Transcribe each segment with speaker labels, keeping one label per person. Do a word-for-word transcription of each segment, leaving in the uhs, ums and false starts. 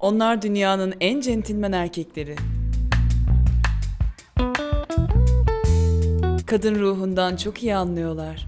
Speaker 1: Onlar dünyanın en centilmen erkekleri. Kadın ruhundan çok iyi anlıyorlar.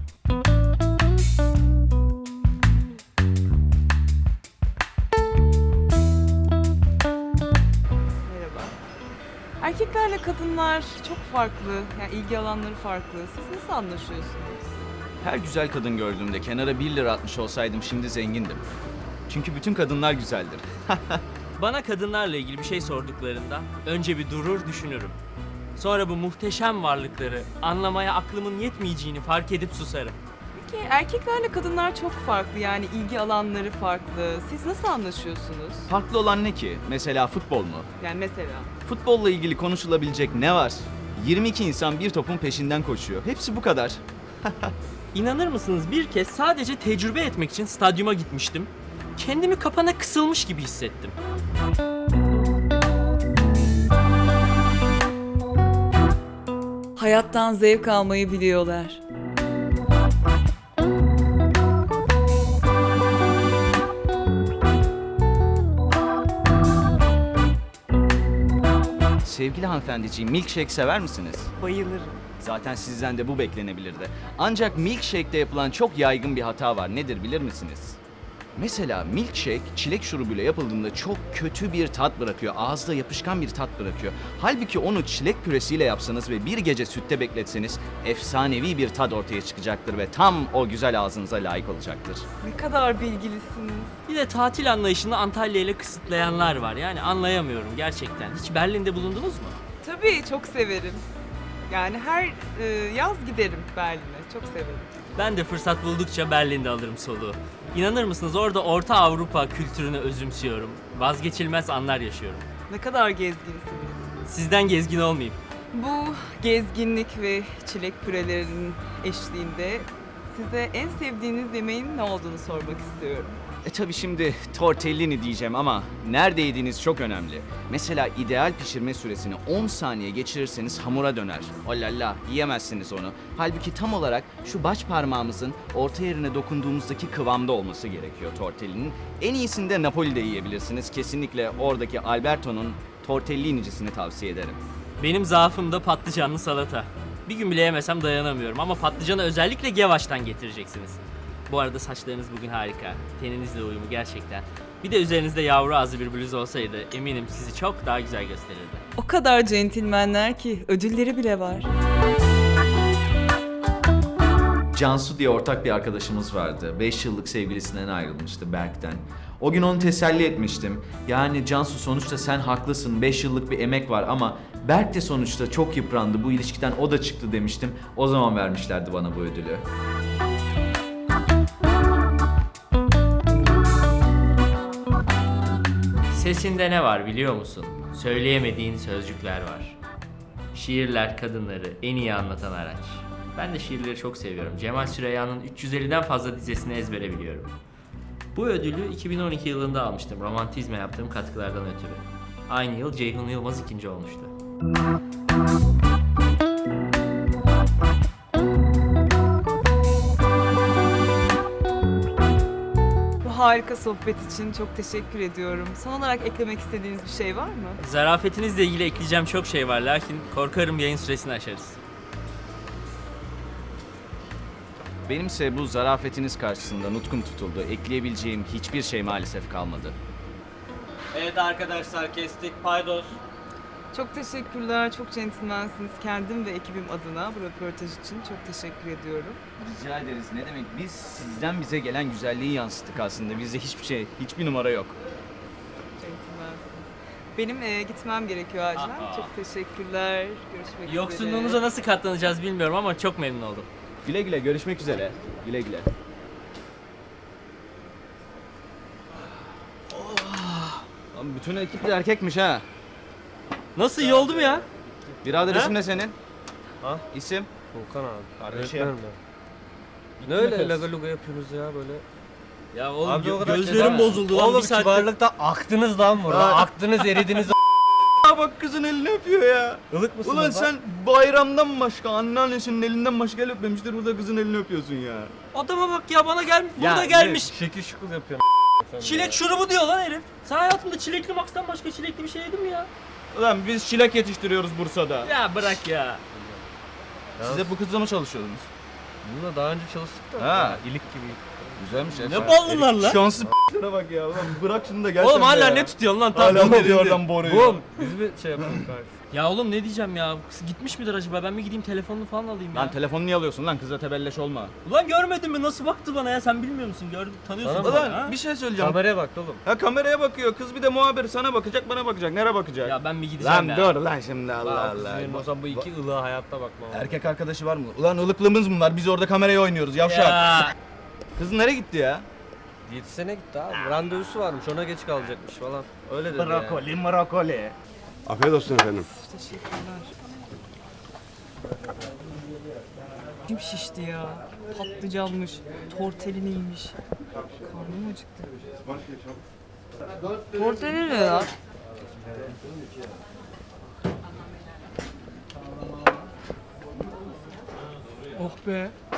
Speaker 2: Merhaba. Erkeklerle kadınlar çok farklı, yani ilgi alanları farklı. Siz nasıl anlaşıyorsunuz?
Speaker 3: Her güzel kadın gördüğümde kenara bir lira atmış olsaydım şimdi zengindim. Çünkü bütün kadınlar güzeldir.
Speaker 4: Bana kadınlarla ilgili bir şey sorduklarında önce bir durur düşünürüm. Sonra bu muhteşem varlıkları anlamaya aklımın yetmeyeceğini fark edip susarım.
Speaker 2: Peki erkeklerle kadınlar çok farklı, yani ilgi alanları farklı. Siz nasıl anlaşıyorsunuz?
Speaker 3: Farklı olan ne ki? Mesela futbol mu?
Speaker 2: Yani mesela.
Speaker 3: Futbolla ilgili konuşulabilecek ne var? yirmi iki insan bir topun peşinden koşuyor. Hepsi bu kadar.
Speaker 4: İnanır mısınız, bir kez sadece tecrübe etmek için stadyuma gitmiştim. Kendimi kapana kısılmış gibi hissettim.
Speaker 1: Hayattan zevk almayı biliyorlar.
Speaker 3: Sevgili hanımefendiciğim, milkshake sever misiniz?
Speaker 2: Bayılırım.
Speaker 3: Zaten sizden de bu beklenebilirdi. Ancak milkshake'de yapılan çok yaygın bir hata var. Nedir bilir misiniz? Mesela milkshake çilek şurubuyla yapıldığında çok kötü bir tat bırakıyor. Ağızda yapışkan bir tat bırakıyor. Halbuki onu çilek püresiyle yapsanız ve bir gece sütte bekletseniz efsanevi bir tat ortaya çıkacaktır ve tam o güzel ağzınıza layık olacaktır.
Speaker 2: Ne kadar bilgilisiniz.
Speaker 4: Bir de tatil anlayışını Antalya ile kısıtlayanlar var. Yani anlayamıyorum gerçekten. Hiç Berlin'de bulundunuz mu?
Speaker 2: Tabii çok severim. Yani her e, yaz giderim Berlin'e. Çok severim.
Speaker 4: Ben de fırsat buldukça Berlin'de alırım soluğu. İnanır mısınız, orada Orta Avrupa kültürünü özümsüyorum. Vazgeçilmez anlar yaşıyorum.
Speaker 2: Ne kadar gezginsiniz.
Speaker 4: Sizden gezgin olmayayım.
Speaker 2: Bu gezginlik ve çilek pürelerinin eşliğinde size en sevdiğiniz yemeğin ne olduğunu sormak istiyorum.
Speaker 3: E tabi şimdi tortellini diyeceğim ama nerede yediğiniz çok önemli. Mesela ideal pişirme süresini on saniye geçirirseniz hamura döner. Olala, yiyemezsiniz onu. Halbuki tam olarak şu baş parmağımızın orta yerine dokunduğumuzdaki kıvamda olması gerekiyor tortellinin. En iyisini de Napoli'de yiyebilirsiniz. Kesinlikle oradaki Alberto'nun tortellinicisini tavsiye ederim.
Speaker 4: Benim zaafım da patlıcanlı salata. Bir gün bile yemesem dayanamıyorum ama patlıcanı özellikle Gevaş'tan getireceksiniz. Bu arada saçlarınız bugün harika. Teninizle uyumu gerçekten. Bir de üzerinizde yavru ağzı bir bluz olsaydı eminim sizi çok daha güzel gösterirdi.
Speaker 1: O kadar centilmenler ki ödülleri bile var.
Speaker 5: Cansu diye ortak bir arkadaşımız vardı. beş yıllık sevgilisinden ayrılmıştı, Berk'ten. O gün onu teselli etmiştim. Yani Cansu, sonuçta sen haklısın, beş yıllık bir emek var ama Berk de sonuçta çok yıprandı, bu ilişkiden o da çıktı demiştim. O zaman vermişlerdi bana bu ödülü.
Speaker 4: Sesinde ne var biliyor musun? Söyleyemediğin sözcükler var. Şiirler kadınları en iyi anlatan araç. Ben de şiirleri çok seviyorum. Cemal Süreyya'nın üç yüz elliden fazla dizesini ezbere biliyorum. Bu ödülü iki bin on iki yılında almıştım, romantizme yaptığım katkılardan ötürü. Aynı yıl Ceyhun Yılmaz ikinci olmuştu.
Speaker 2: Bu harika sohbet için çok teşekkür ediyorum. Son olarak eklemek istediğiniz bir şey var mı?
Speaker 4: Zarafetinizle ilgili ekleyeceğim çok şey var, lakin korkarım yayın süresini aşarız.
Speaker 3: Benimse bu zarafetiniz karşısında nutkum tutuldu. Ekleyebileceğim hiçbir şey maalesef kalmadı.
Speaker 6: Evet arkadaşlar, kestik paydos.
Speaker 2: Çok teşekkürler, çok centilmensiniz. Kendim ve ekibim adına bu röportaj için çok teşekkür ediyorum.
Speaker 3: Rica ederiz. Ne demek? Biz sizden bize gelen güzelliği yansıttık aslında. Bizde hiçbir şey, hiçbir numara yok.
Speaker 2: Centilmensiniz. Benim e, gitmem gerekiyor acilen.
Speaker 4: Aha.
Speaker 2: Çok teşekkürler. Görüşmek üzere.
Speaker 4: Yoksunluğunuza nasıl katlanacağız bilmiyorum ama çok memnun oldum.
Speaker 3: Güle güle, görüşmek üzere. Güle güle. Lan bütün ekip de erkekmiş ha.
Speaker 4: Nasıl, iyi oldu mu ya?
Speaker 3: Birader
Speaker 4: Ha?
Speaker 3: isim ne senin?
Speaker 7: Ha?
Speaker 3: İsim?
Speaker 7: Volkan abi.
Speaker 3: Kardeşim.
Speaker 7: Öğretmenim ben. Ne öyle laga luga yapıyorsunuz ya böyle?
Speaker 4: Ya oğlum
Speaker 7: Abi o
Speaker 4: gö-
Speaker 7: kadar
Speaker 4: gözlerim
Speaker 7: kibar-
Speaker 4: bozuldu lan
Speaker 7: Oğlum
Speaker 4: bir saattir.
Speaker 7: kibarlıkta aktınız lan burada.
Speaker 3: Ha.
Speaker 7: Aktınız, eridiniz.
Speaker 3: Aa bak kızın elini öpüyor ya.
Speaker 7: Ilık mısınız
Speaker 3: Ulan
Speaker 7: lan?
Speaker 3: sen bayramdan başka anneannesinin elinden başka el öpmemiştir. Burada kızın elini öpüyorsun ya.
Speaker 4: Adama bak ya, bana gel burada
Speaker 3: Ya,
Speaker 4: gelmiş.
Speaker 7: Şekil şukul yapıyorsun. Çilek şurubu diyor lan herif. Sen hayatımda çilekli Max'tan başka çilekli bir şey yedin mi ya?
Speaker 3: Ulan biz çilek yetiştiriyoruz Bursa'da.
Speaker 7: Ya bırak ya.
Speaker 3: Siz hep bu kızla mı çalışıyordunuz?
Speaker 7: Bununla daha önce çalıştık da.
Speaker 3: Ha.
Speaker 7: İlik gibi.
Speaker 3: Güzelmiş ya.
Speaker 7: Ne ballılar lan?
Speaker 3: Şanslı p***lere bak ya. Ulan bırak şunu da gel sen
Speaker 7: Oğlum
Speaker 3: de
Speaker 7: hala
Speaker 3: ya.
Speaker 7: ne tutuyorsun lan?
Speaker 3: Hala
Speaker 7: Tam
Speaker 3: tutuyor oradan boruyu.
Speaker 7: Oğlum biz mi şey yapalım kardeşim? Ya oğlum ne diyeceğim ya? Kız gitmiş midir acaba? Ben bir gideyim telefonunu falan alayım ya.
Speaker 3: Lan telefonu niye alıyorsun lan? Kızla tebelleş olma.
Speaker 7: Ulan görmedin mi? Nasıl baktı bana ya? Sen bilmiyor musun? Gördün, tanıyorsun beni,
Speaker 3: Ulan
Speaker 7: ha?
Speaker 3: bir şey söyleyeceğim.
Speaker 7: Kameraya bak oğlum.
Speaker 3: Ha kameraya bakıyor. Kız bir de muhabir sana bakacak, bana bakacak. Nereye bakacak?
Speaker 7: Ya ben bir gideceğim
Speaker 3: lan
Speaker 7: ya.
Speaker 3: dur lan şimdi Allah Allah.
Speaker 7: Benim o zaman bu iki ılığa hayatta bakmam.
Speaker 3: Erkek arkadaşı var mı? Ulan ılıklığımız bunlar. Biz orada kameraya oynuyoruz. Yavşak.
Speaker 7: Ya.
Speaker 3: Kız nereye gitti ya?
Speaker 7: Diyetisyene gitti abi. Randevusu varmış. Ona geç kalacakmış falan. Öyle dedi ya.
Speaker 3: Brokoli, brokoli.
Speaker 8: Afiyet olsun efendim.
Speaker 2: Kim şişti ya? Patlıcanmış, tortelliniymiş. Karnım acıktı. Tortellini ne ya? Oh be.